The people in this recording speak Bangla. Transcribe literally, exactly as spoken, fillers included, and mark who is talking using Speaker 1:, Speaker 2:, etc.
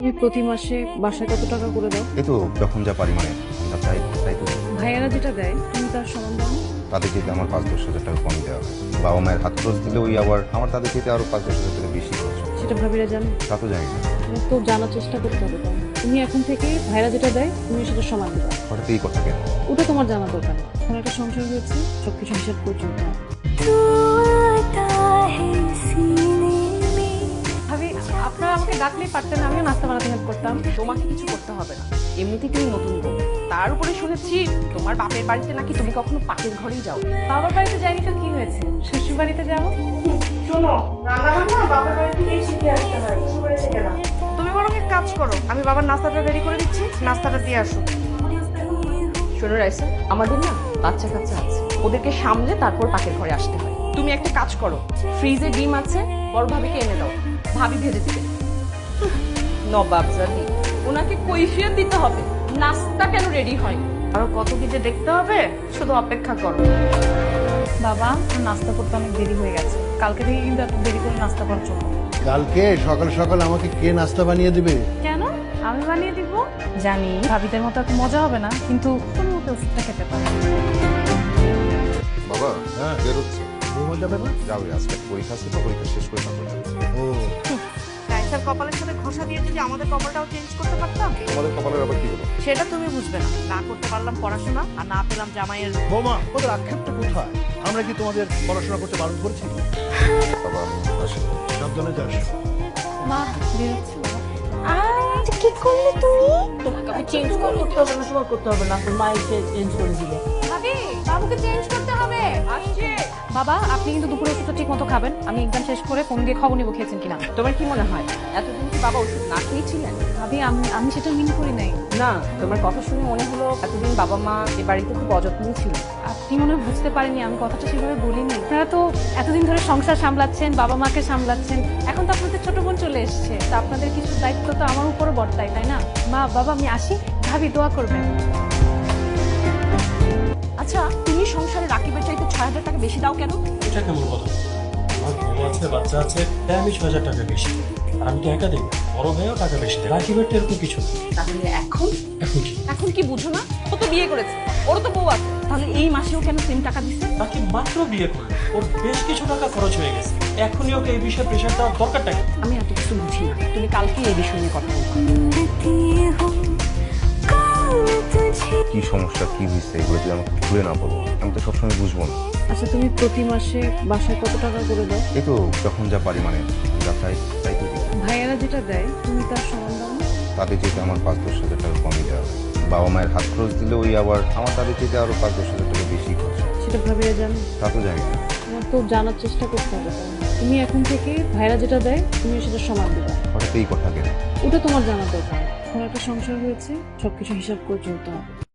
Speaker 1: তুমি প্রতি মাসে বাসায় কত টাকা করে দাও?
Speaker 2: এই তো যখন যা পারি, মানে যা চাই তাই তো।
Speaker 1: ভাইয়ারা যেটা দেয় তুমি তার সমান দাও না?
Speaker 2: তাদের যেতে আমার পাঁচ দশ হাজার টাকা কম দেওয়া হয়। বাবা মায়ের হাত খরচ দিলে ওই আবার আমার তাদের যেতে আরো পাঁচ দশ হাজার টাকা বেশি খরচ হয়।
Speaker 1: সেটা ভাবিরা জানো?
Speaker 2: তা তো জানি না।
Speaker 1: তোমার তো জানার চেষ্টা করতে হবে। তাই না? তুমি এখন থেকে ভাইয়ারা যেটা দেয় তুমি সেটা সমান দেবা।
Speaker 2: হঠাৎ এই কথা কেন?
Speaker 1: ওটা তোমার জানা দরকার নেই। এখন একটা সংসার হয়েছে, সবকিছু হিসাব করে চলতে হবে।
Speaker 3: ভাবি আপনারা আমাকে ডাকলেই পারতেন, আমিও নাস্তা বানাতে হেল্প করতাম। তোমাকে কিছু করতে হবে না, এমনিতেই তুমি নতুন বউ। তার উপরে শুনেছি তোমার বাপের বাড়িতে নাকি তুমি কখনো পাকের ঘরেই যাও।
Speaker 1: বাবার বাড়িতে যাইনি তো কি হয়েছে, শ্বশুর বাড়িতে যাবো।
Speaker 3: শোনো, রান্না বান্না বাপের বাড়ি থেকেই শিখে আসতে হয়, শ্বশুর বাড়ি থেকে না। তুমি বরং এক কাজ করো, আমি বাবার নাস্তাটা রেডি করে দিচ্ছি, নাস্তাটা দিয়ে আসো। শোনো রাইসা, আমাদের না বাচ্চা কাচ্চা আছে, ওদেরকে সামলে তারপর পাকের ঘরে আসতে হয়। তুমি একটা কাজ করো, ফ্রিজে ডিম আছে, বড় ভাবিকে এনে দাও, ভাবি ভেজে দিবে। নবাব জানি ওনাকে কৈফিয়ত দিতে হবে, নাস্তা কেন রেডি হয়। আরো কত কি যে দেখতে হবে, শুধু অপেক্ষা করো।
Speaker 1: বাবা নাস্তা করতে অনেক দেরি হয়ে গেছে, কালকে থেকে কিন্তু এত দেরি করে নাস্তা করার জন্য।
Speaker 4: কালকে সকাল সকাল আমাকে কে নাস্তা বানিয়ে দিবে?
Speaker 1: কেন আমি বানিয়ে দিব? জানি ভাবিদের মতো এত মজা হবে না, কিন্তু কোনো মতো ওষুধটা খেতে পারে।
Speaker 2: বাবা
Speaker 4: হ্যাঁ।
Speaker 2: বেরোচ্ছে।
Speaker 4: ঘুমো যাবে না?
Speaker 2: যাবে, আজকে পরীক্ষা ছিল, পরীক্ষা শেষ করে তারপর যাবে।
Speaker 4: ও
Speaker 3: রাইসার কপালের সাথে ঘষা দিয়ে যদি আমাদের কপালটাও চেঞ্জ করতে পারতাম,
Speaker 2: তোমাদের কপালের আবার কি হলো?
Speaker 3: সেটা তুমি বুঝবে না। না করতে পারলাম পড়াশোনা, আর না পেলাম জামাইয়ের।
Speaker 4: বৌমা, ওদের আক্ষেপটা কোথায়? আমরা কি তোমাদের পড়াশোনা করতে বারণ করছি?
Speaker 2: বাবা আমি আসি।
Speaker 4: সাবধানে যাস।
Speaker 1: মা বেরোচ্ছি।
Speaker 5: আচ্ছা কি করলে তুমি?
Speaker 3: তোমাকে আমি চেঞ্জ করতে হবে না, তোমার করতে হবে না, মা এসে চেঞ্জ করে দিবে।
Speaker 1: ভাবি বাবুকে চেঞ্জ করতে হবে।
Speaker 3: আসছে।
Speaker 1: বাবা আপনি কিন্তু দুপুরে ওষুধটা ঠিক মতো খাবেন। আমি এক্সাম শেষ করে ফোন দিয়ে খবর নিব খেয়েছেন কিনা।
Speaker 3: তোমার কি মনে হয় এতদিন কি বাবা ওষুধ না খেয়েছিলেন?
Speaker 1: ভাবি আমি আমি সেটা মিন করি নাই।
Speaker 3: না, তোমার কথা শুনে মনে হলো এতদিন বাবা মা এ বাড়িতে খুব অযত্নই ছিল।
Speaker 1: আপনি মনে হয় বুঝতে পারেননি, আমি কথাটা সেভাবে বলিনি। আপনারা তো এতদিন ধরে সংসার সামলাচ্ছেন, বাবা মাকে সামলাচ্ছেন, এখন তো আপনাদের ছোট বোন চলে এসছে, তা আপনাদের কিছু দায়িত্ব তো আমার উপরও বর্তায়, তাই না? মা বাবা আমি আসি, ভাবি দোয়া করবেন।
Speaker 3: আচ্ছা, তুমি সংসারে রাকিবের চাইতে ছয় হাজার টাকা বেশি দাও কেন?
Speaker 6: এটা কেমন কথা? আমার বউ আছে, বাচ্চা আছে, তাই আমি ছয় হাজার টাকা বেশি। আর আমি তো একা দিই, বড় ভাইও টাকা বেশি দেয়। রাকিবের তো এরকম কিছু না।
Speaker 3: তাহলে এখন
Speaker 6: এখন কি?
Speaker 3: এখন কি বুঝো না? ও তো বিয়ে করেছে, ওরও তো বউ আছে, তাহলে এই মাসেও কেন সেম টাকা দিচ্ছে?
Speaker 6: রাকিব মাত্র বিয়ে করলো, ওর বেশ কিছু টাকা খরচ হয়ে গেছে। এখনই ওকে এই বিষয়ে প্রেশার দেওয়ার দরকারটা কি?
Speaker 3: আমি এত কিছু বুঝি না, তুমি কালকে এই বিষয় নিয়ে কথা বলবো।
Speaker 2: কি সমস্যা, কি হয়েছে, এগুলো যদি আমাকে খুলে না বলো আমি তো সবসময় বুঝবো না।
Speaker 1: আচ্ছা তুমি প্রতি মাসে বাসায় কত টাকা করে দাও?
Speaker 2: এই তো যখন যা পারি, মানে যা চাই তাই তো দিই।
Speaker 1: ভাইয়ারা যেটা দেয় তুমি তার সমান দাও না?
Speaker 2: তাদের যেতে আমার পাঁচ দশ হাজার টাকা কমই দেওয়া হয়। বাবা মায়ের হাত খরচ দিলে ওই আবার আমার তাদের যেতে আরো পাঁচ দশ হাজার টাকা বেশি খরচ হয়।
Speaker 1: সেটা ভাবিরা জানো?
Speaker 2: তা তো জানি না।
Speaker 1: তোমার তো জানার চেষ্টা করতে হবে। তাই না? তুমি এখন থেকে ভাইয়ারা যেটা দেয় তুমি সেটা সমান দেবা।
Speaker 2: হঠাৎ এই কথা কেন?
Speaker 1: ওটা তোমার জানা দরকার। এখন একটা সংসার হয়েছে, সবকিছু হিসাব করে চলতে হবে।